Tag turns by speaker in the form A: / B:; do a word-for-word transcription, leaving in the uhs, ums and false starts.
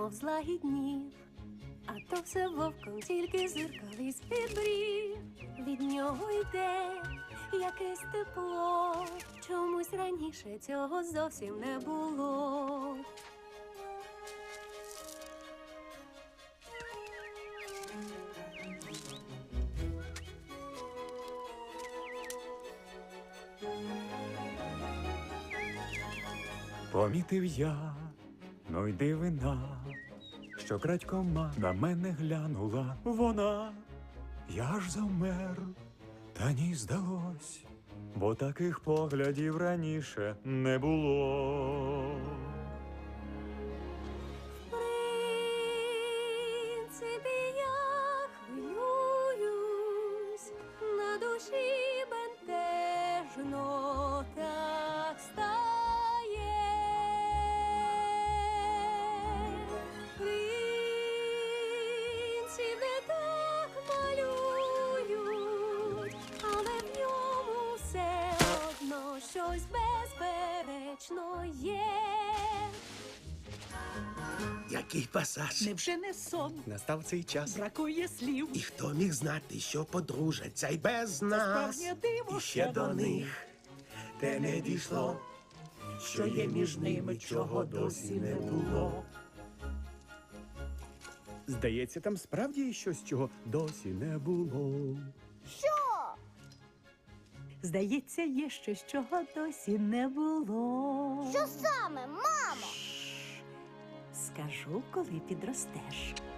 A: немов злагіднів, а то все вовком тільки зиркали з-під брів. Від нього йде якесь тепло, чомусь раніше цього зовсім не було.
B: Помітив я, ну й дивина, що крадькома на мене глянула вона. Я ж завмер, та ні здалось, бо таких поглядів раніше не було.
A: В принципі, я хвилююсь, на душі бентежно так стає. Принців не так малюють, але в ньому все одно щось безперечно є.
C: Який пасаж?
D: Невже не сон?
C: Настав цей час.
D: Бракує слів.
C: І хто міг знати, що подружаться й без нас?
D: справжнє диво,
C: І ще до них те не дійшло, що є між ними, чого досі не було. Здається, там справді є щось, чого досі не було.
D: Здається, є щось, чого досі не було.
E: Що саме, мамо?
D: Скажу, коли підростеш.